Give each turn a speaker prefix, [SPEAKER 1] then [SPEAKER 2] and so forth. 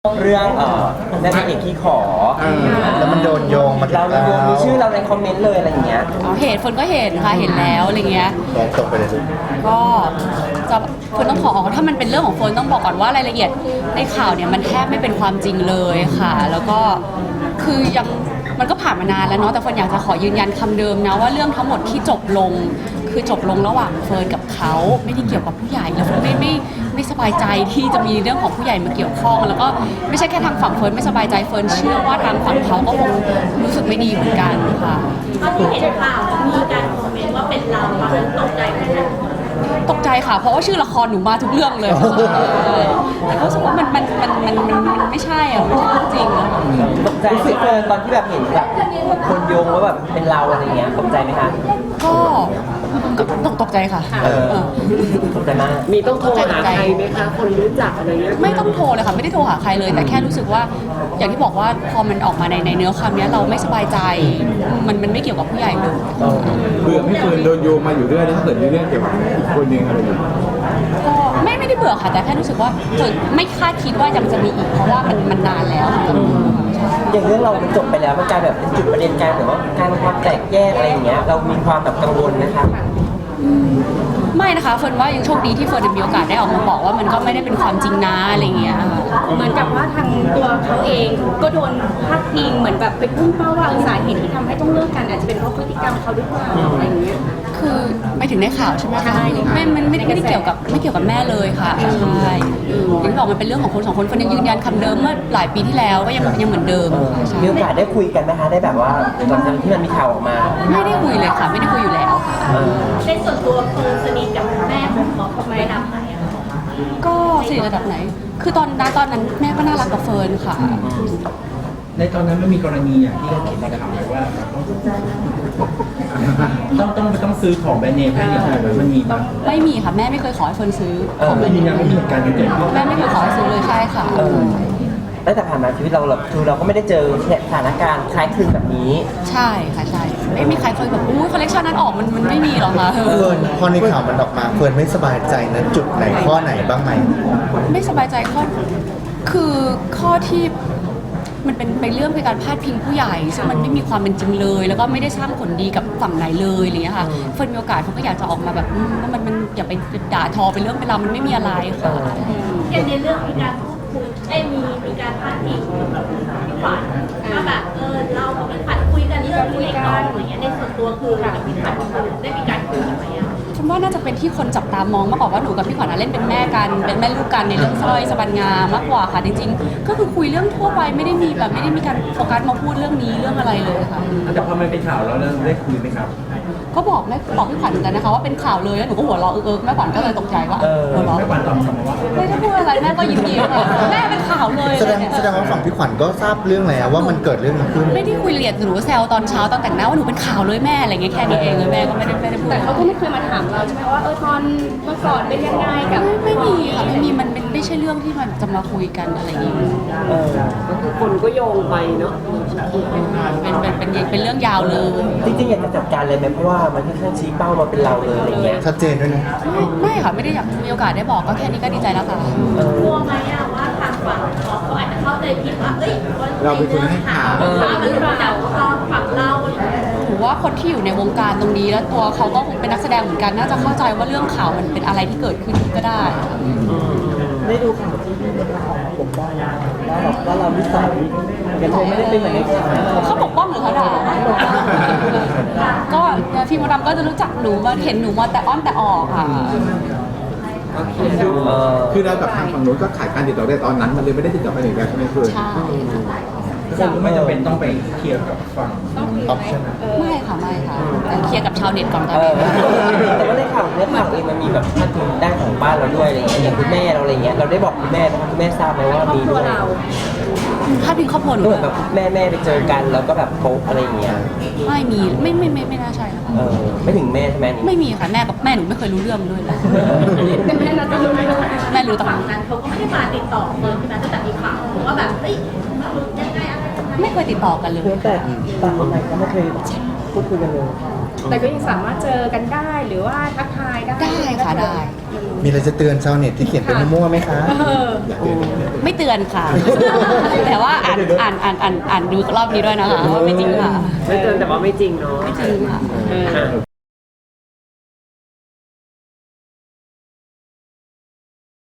[SPEAKER 1] เรื่องนางเอกขี้ขอ
[SPEAKER 2] แล้วมันโดนโยงมาถึง
[SPEAKER 1] เราโยงมีชื่อเราในคอมเมนต์เลยอะไรอย่างเงี้ย
[SPEAKER 3] เห็นฝนก็เห็นค่ะเห็นแล้วอะไรเงี้ย
[SPEAKER 2] ฟ้องตกไปเลย
[SPEAKER 3] ก็จะฝนต้องขอถ้ามันเป็นเรื่องของฝนต้องบอกก่อนว่ารายละเอียดในข่าวเนี่ยมันแทบไม่เป็นความจริงเลยค่ะแล้วก็คือยังมันก็ผ่านมานานแล้วเนาะแต่ฝนอยากจะขอยืนยันคำเดิมนะว่าเรื่องทั้งหมดที่จบลงคือจบลงระหว่างเฟิร์นกับเขาไม่ได้เกี่ยวกับผู้ใหญ่แล้วเฟิร์นไม่สบายใจที่จะมีเรื่องของผู้ใหญ่มาเกี่ยวข้องแล้วก็ไม่ใช่แค่ทางฝั่งเฟิร์นไม่สบายใจเฟิร์นเชื่อว่าทางฝั่งเขาก็คงรู้สึกไม่ดีเหมือนกันค่ะ
[SPEAKER 4] ตอนที่เห็นข่าวมีการคอมเมนต์ว่าเป็นเราตกใจไหมคะ
[SPEAKER 3] ตกใจค่ะเพราะว่าชื่อละครหนูมาทุกเรื่องเลยแต่ก็รู้สึกว่ามันไม่ใช่อ่ะไม่ใช่จริงอะ
[SPEAKER 1] ตกใจรู้สึกตอนที่แบบเห็นแบบคนโยงว่าแบบเป็นเราอะไรเงี้ยตกใจไหมคะ
[SPEAKER 3] ก็ตกใจค่ะ
[SPEAKER 1] ตกใจมาก
[SPEAKER 5] มีต้องโทรหาใครไหมคะคนรู้จักอะไรเงี้ย
[SPEAKER 3] ไม่ต้องโทรเลยค่ะไม่ได้โทรหาใครเลยแต่แค่รู้สึกว่าอย่างที่บอกว่าพอมันออกมาในเนื้อคำนี้เราไม่สบายใจมันไม่เกี่ยวกับผู้ใหญ่เลย
[SPEAKER 2] เบื่อไม่เฟิร์นโดนโยงมาอยู่เรื่อยแล้วถ้าเกิดมีเรื่องเกี่ยวกับอีกคนนึงอะไรอยู่
[SPEAKER 3] ก็ไม่ได้เบื่อค่ะแต่แค่รู้สึกว่าไม่คาดคิดว่ายังจะมีอีกเพราะว่ามันนานแล้ว
[SPEAKER 1] อย่างเรื่องเราจบไปแล้วมันกลายแบบเป็นจุดประเด็นการแบบว่าการความแตกแยกอะไรอย่างเงี้ยเรามีความแบบกังวลนะคะ
[SPEAKER 3] ไม่นะคะเฟิร์นว่ายังโชคดีที่เฟิร์นมีโอกาสได้ออกมาบอกว่ามันก็ไม่ได้เป็นความจริงนะอะไรเงี้ย
[SPEAKER 4] เหมือนกับว่าทางตัวเขาเองก็โดนพาดพิงเหมือนแบบไปพุ่งเป้าว่าสาเหตุที่ทำให้ต้องเลิกกันอาจจะเป็นเพราะพฤติกรรมเขาหรือเปล่าอะไรอย่างเงี้ย
[SPEAKER 3] คือไม่ถึงในข่าวใช่ไหมคะมันไม่ได้เกี่ยวกับแม่เลยค่ะใช่อย่างที่บอกมันเป็นเรื่องของคนสองคนคนยังยืนยันคำเดิมเมื่อหลายปีที่แล้วก็ยังเหมือนเดิม
[SPEAKER 1] มีโอกาสได้คุยกันไหมคะได้แบบว่าหลังจากที่มันมีข่าวออกมา
[SPEAKER 3] ไม่ได้คุยเลยค่ะไม่ได้คุยอยู่แล้วค่ะ
[SPEAKER 4] ในส่วนตัวคือสนิทกับแม่ของเขาทำไมระดับไหนอะ
[SPEAKER 3] ก็สนิทระดับไหนคือตอนนั้นแม่ก็น่ารักกับเฟิร์นค่ะ
[SPEAKER 6] ในตอนนั้นมันมีกรณีอย่างที่เราเห็นในข่าวเลยว่าต้องซื้อของแบรนด์เนมให้เด็กมันมีมั้ย
[SPEAKER 3] ไม่มีค่ะแม่ไม่เคยขอให้เฟิร์นซื้อ
[SPEAKER 6] ไม่มีไม่มีเหตุการณ์เกิดขึ้น
[SPEAKER 3] แม่ไม่เคยขอให้ซื้อเลยใช่ค่ะ
[SPEAKER 1] ตั้งแต่ผ่านมาชีวิตเราคือเราก็ไม่ได้เจอสถานการณ์คล้ายคลึงแบบนี้
[SPEAKER 3] ใช่ค่ะใช่ไม่มีใครเคยแบบคอลเลคชันนั้นออกมันไม่มีหรอกค่ะ
[SPEAKER 2] เฟิร์นพอในข่าวมันออกมาเฟิร์นไม่สบายใจนะจุดไหนข้อไหนบ้างไหม
[SPEAKER 3] ไม่สบายใจคือข้อที่มันเป็นเรื่องเป็นการพาดพิงผู้ใหญ่ซึ่งมันไม่มีความเป็นจริงเลยแล้วก็ไม่ได้สร้างผลดีกับฝั่งไหนเลยอะไรเงี้ยค่ะเฟิร์นมีโอกาสเขาก็อยากจะออกมาแบบว่ามันอย่าไปด่าทอเป็นเรื่องเป็นราวมันไม่มีอะไรค่ะ
[SPEAKER 4] อย่างในเรื่องมีการพูดคุยมีการพาดพิงกับพี่ขวัญว่าแบบเรากับพี่ขวัญคุยกันเรื่องนี้ก่อนอะไรเงี้ยในส่วนตัวคือกับพี่ขวัญได้มีการคุยกันไหมอะ
[SPEAKER 3] ฉันว่าน่าจะเป็นที่คนจับตามองมากกว่าว่าหนูกับพี่ขวัญเล่นเป็นแม่กันเป็นแม่ลูกกันในเรื่องสร้อยสบันงามากกว่าค่ะจริงๆก็คือคุยเรื่องทั่วไปไม่ได้มีการโฟกัสมาพูดเรื่องนี้เรื่องอะไรเลยค่ะ
[SPEAKER 6] แต่พอมันเป็นข่าวแล้วได้คุยไหมครับ
[SPEAKER 3] ก็บอกพี่ขวัญเหมือนกันนะคะว่าเป็นข่าวเลยแล้วหนูก็หัวเราะแม่ขวัญก็เลยตกใจว่าหัวเราะ
[SPEAKER 6] แม่ขวัญตอบกลับมาว่า
[SPEAKER 3] ไม่ได้พูดอะไรแม่ก็ยิ้มแม่เป็นข่าวเลย
[SPEAKER 2] แสดงว่าฝั่งพี่ขวัญก็ทราบเรื่องแล้วว่ามันเกิดเรื่องขึ้น
[SPEAKER 3] ไม่ได้คุยละเอียดหนูแซวตอนเช้าตอนแต่งหน้าว่าหนูเป็นข่าวเลยแม่อะไรเงี้ยแค่นี้เองเลยแม่ก็ไม่ได้พูด
[SPEAKER 4] แต่เขาก็ไม่เคยมาถามเราใช่ไหมว่าตอนเมื่อก่อนเป็นยังไงกับ
[SPEAKER 3] ไม่มีค่ะไม่มีมันไม่ใช่เรื่องที่มันจะมาคุยกันอะไรอย่างเงี้ย
[SPEAKER 5] ก็คือคนก็โยงไปเนาะ
[SPEAKER 3] เป็นเรื่องยาวเลย
[SPEAKER 1] จริงๆอยากจะจัดการเลยไหมเพราะว่ามันค่อนข้างชี้เป้ามาเป็นเราเลยอะไรเงี้ย
[SPEAKER 2] ชัดเจนด้วยนะ
[SPEAKER 3] ไม่ค่ะไม่ได้อยากมีโอกาสได้บอกก็แค่นี้ก็ดีใจแล้วค่ะ
[SPEAKER 4] กลัวไหมอะว่าทางฝั่งเขาอาจจะเข้าใจผิดว่า
[SPEAKER 2] เราเป็นคนให้ข่าว
[SPEAKER 4] มันรู้แต่ว่าฝั่งเรา
[SPEAKER 3] ถือว่าคนที่อยู่ในวงการตรงนี้แล้วตัวเขาก็เป็นนักแสดงเหมือนกันน่าจะเข้าใจว่าเรื่องข่าวมันเป็นอะไรที่เกิดขึ้นก็ได้
[SPEAKER 1] ได้ดูข่าวที่พี่มดปกป้องว่าเรานิสัยยังไม่ได้เป็นเหมือนในข่าว
[SPEAKER 3] เขาปกป้องหรือเขาด่าก็พี่มดดำก็จะรู้จักหนูมาเห็นหนูมาแต่อ้อนแต่ออกค่ะ
[SPEAKER 2] คือเรากับทางฝั่งนู้นก็ขายการติดต่อได้ตอนนั้นมันเลยไม่ได้ติดต่อไปถึงแล้วใช่ไหมเพื่อน
[SPEAKER 6] ใช่ไม่จำเป็นต้องไปเคลียร์กับฝั่ง
[SPEAKER 2] ออปชั่น
[SPEAKER 3] ไม่ค่ะแต่เคลียร์กับชาวเน็ตก่อนตอนนี้
[SPEAKER 1] แต่ว่าในข่าวเองมันมีแบบท่านถึงด้านของบ้านเราด้วยอะไรอย่างเงี้ยอย่างคุณแม่เราอะไรเงี้ยเราได้บอกคุณแม่นะคะคุณแม่ทราบไหมว่ามีด้วย
[SPEAKER 3] ถ้าพิงครอบครัวหนู
[SPEAKER 1] เหมือนแบบแม่ไปเจอกันแล้วก็แบบโป๊ะอะไรอย่างเงี้ย
[SPEAKER 3] ไม่มีไม่น่าใช่ค่ะ
[SPEAKER 1] ไม่ถึงแม่ใช่ไหม
[SPEAKER 3] ไม่มีค่ะแม่กับแม่หนูไม่เคยรู้เรื่องด้วยเลย
[SPEAKER 4] แต่แม่เราจะรู้ไหม
[SPEAKER 3] แม่รู้
[SPEAKER 4] ต่างนั้นเขาก็ไม่ได้มาติดต่อเลยใช่ไหมตั้งแต่มีข่าวว่าแบบยังไงอะไร
[SPEAKER 3] ไม่เคยติดต่อกันเลย
[SPEAKER 1] แต่ต่างคนไหนก็ไม่เคยพูดคุยกันเลย
[SPEAKER 7] แต่ก็ยังสามารถเจอกันได้หรือว่าทักทายได้
[SPEAKER 3] ได้ค่ะได้
[SPEAKER 8] มีอะไรจะเตือนชาวเน็ตที่เขียนเป็นมั่วๆไหมคะ
[SPEAKER 3] ไม่เตือนค่ะ แต่ว่าอ่านดูรอบนี้ด้วยนะคะว่าไม่จริงค่ะ
[SPEAKER 5] ไม่เตือนแต่ว่าไม่จริงเนาะ
[SPEAKER 3] ไม่จริงค่ะ
[SPEAKER 5] อ่ะ